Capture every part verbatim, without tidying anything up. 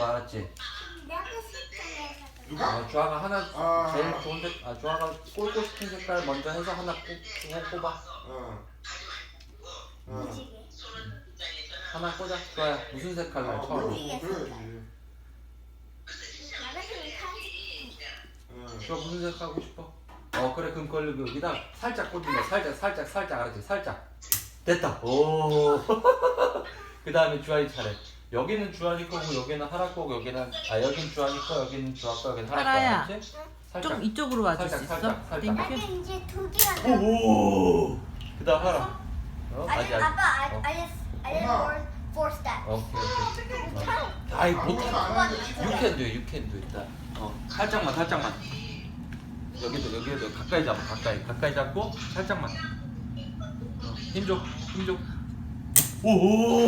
거 알았지? 내가 색깔에서 누가? 어, 주아가 하나 아. 제일 좋은 색, 아 주아가 꽂고 싶은 색깔 먼저 해서 하나 꽂, 꽂, 꼽아. 어. 어. 무지개. 하나 꽂아. 주아야 무슨 색깔로 해, 아, 처음에? 그래, 그래야지. 나 같은 거 어. 주아 무슨 색 하고 싶어? 어 그래 그럼 그걸 여기다 살짝 꽂는 거야. 살짝 살짝 살짝 알았지? 살짝. 됐다. 오. 그 다음에 주아이 차례. 여기는 주아이 거고 여기는 하라 거고 여기는 아 여기는 주아이 거 여기는 주아 거 여기는 하라 거 하라야. 알았지? 살짝. 좀 이쪽으로 와줄 수 살짝, 있어? 살짝, 살짝. 땡큐. 나는 이제 두 개가 나. 오. 그다음 하라. 어? 아니 아직 아직. 아빠 I 어. I just I did 엄마. four four steps. 오케이 오케이. 어. 참. 아이 아무것도 못해. 안 하는데 You can do, you can do 일단. 어 살짝만 살짝만. 여기도 여기도 가까이 잡아 가까이 가까이 잡고 살짝만. 어, 힘줘 힘줘. 오.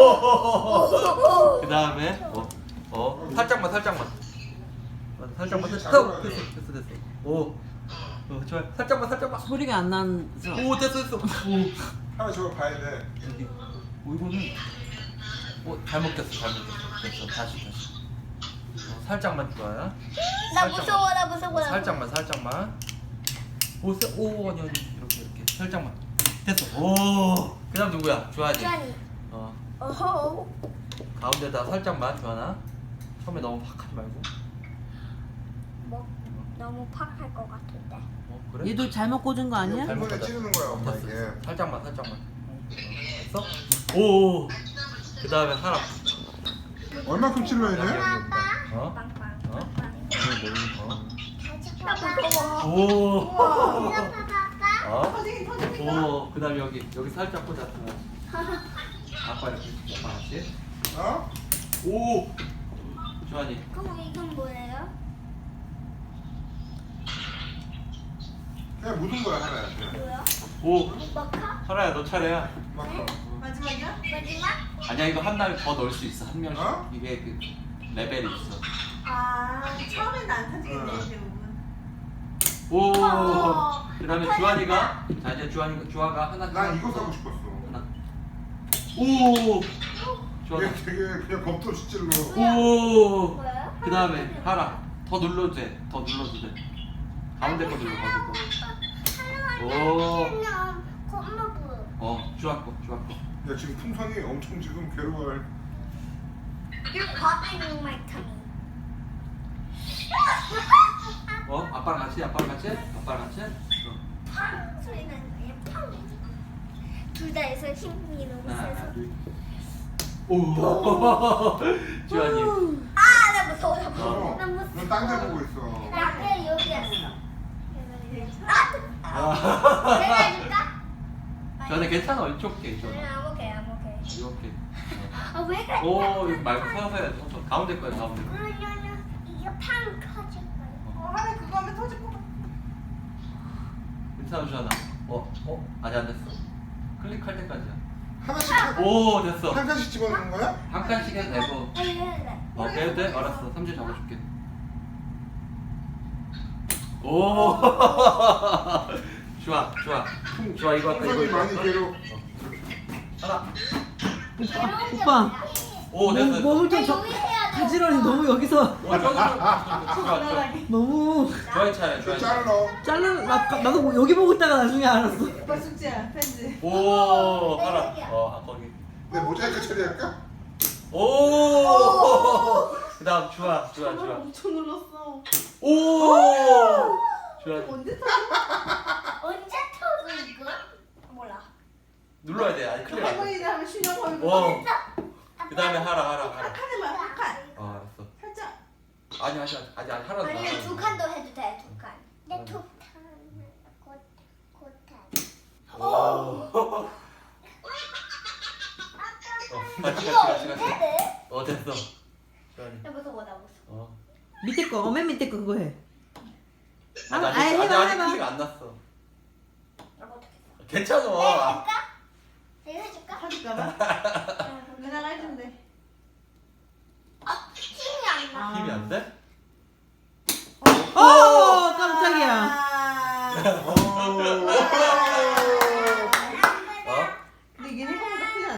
그 다음에 어, 어 살짝만 살짝만. 어, 살짝만 살짝. 됐어 됐어 됐어. 오. 어 좋아. 살짝만 살짝만. 소리가 안 나서. 오 됐어 됐어. 오. 하나 저거 봐야 돼. 여기. 오 이거는. 오 잘못 꼈어 잘못 꼈어. 됐어 다시 다시. 어, 살짝만 좋아요. 나 살짝만. 무서워 나 무서워. 나 살짝만 살짝만. 오, 세, 오 아니 아니 이렇게 이렇게 살짝만. 됐어. 오. 그다음 누구야? 주한이. 주한이. 어 어허. 가운데다 살짝만 주한아. 처음에 너무 팍 하지 말고. 뭐 너무 팍할 것 같은데. 어 그래? 얘도 잘못 꽂은 거 아니야? 잘못 이번에 꽂아. 찌르는 거야, 엄마 됐어, 이게. 됐어. 살짝만 살짝만. 어, 됐어? 오. 그다음에 사람. 얼마큼 찔러야 돼? 아빠. 어? 빵빵. 어? 빵빵. 어? 나 무서워. 오. 아빠 아빠. 어? 오. 그다음 여기 여기 살짝 꽂아. 아빠 이렇게 아빠 같이. 어? 오. 주한이. 그럼 이건 뭐예요? 그냥 묻은 거야, 하나야. 그냥. 뭐야? 오. 마카? 하라야 너 차례야. 막 마지막이야? 마지막? 아니야 이거 한 날 더 넣을 수 있어 한 명씩. 어? 이게 그 레벨이 있어. 아 처음에는 안 터지겠네 응. 대부분. 오. 어. 그다음에 주한이가 자 이제 주한이 주아가 하나. 난 이거 사고 싶었어. 하나. 오. 주한아. 이게 되게 그냥 겁도 찔러. 오. 뭐예요? 그다음에 하라. 더 눌러도 돼. 더 눌러도 돼. 가운데 거 눌러 가지고. 오. 엄마 보여. 어 주아 거 주아 거. 야, 지금 풍선이 엄청 지금 괴로워할. You're popping my tummy. 어 아빠랑 같이 아빠랑 같이 아빠랑 같이. 어. 팡 소리 나는 거야. 팡. 둘 다 해서 힘이 너무 하나 세서. 둘. 오. 주한이. 아, 나 무서워. 나 무서워. 어, 나 무서워. 넌딴데 보고 있어. 나 여기였어. 아, 아. 내가 해줄까? 주한이 괜찮아 이쪽 게 주한아. 안 오케이, 안 오케이. 이렇게. 아, 왜 그래? 오 이거 말고 서서 해야지 서서. 가운데 거야 가운데 거. 그러면은 이게 팡 터질 거야. 어 하나 그거 하면 터질 것 같아. 괜찮아 주한아. 어? 어? 아직 안 됐어. 클릭할 때까지야. 하나씩 한, 오 됐어. 한 칸씩 집어넣는 거야? 한 칸씩 해도 되고. 아, 이거 해야 어 해도 돼? 알았어. 삼질 잡아줄게. 오. 좋아 좋아. 좋아 이거 할까 이거 풍선이 이거 많이 할까? 괴로. 어. 하나. 오빠. 오 됐어. 됐어. 몸을 좀 나 저, 여기 해야 돼. 가지런히 너무 여기서 오 저기 좋아 좋아. 너무 좋아이 차례 좋아이 차례. 잘라. 잘라 나, 나도 뭐 여기 보고 있다가 나중에 알았어. 오빠 숙제야 편지. 오 하나. 어 거기. 내 모자이크 처리할까? 오. 그다음 좋아 좋아 좋아. 엄청 눌렀어. 오. 좋아. 언제 터져? 언제 터져 이거? 몰라. 눌러야 돼. 아니 클릭 안 돼. 할머니들 하면 신용 걸고. 와. 그다음에 하라 하라 하라. 한 칸에만 한 칸. 어 알았어. 살짝. 아니 아니 아니 아니 하라도 아니 하라도. 두 칸도 해도 돼, 두 칸. 내두 칸. 곧, 곧 칸. 오. 어, 같이 이거 같이 같이 같이. 헤드? 어 됐어. 주한이. 나 무서워, 나 무서워. 어. 밑에 거, 어, 맨 밑에 거 그거 해. 아, 아직 아이, 아직 해봐, 아직 해봐. 클릭 안 났어. 나 못하겠어. 괜찮아. 내가 해줄까? 내가 해줄까? 터질까봐.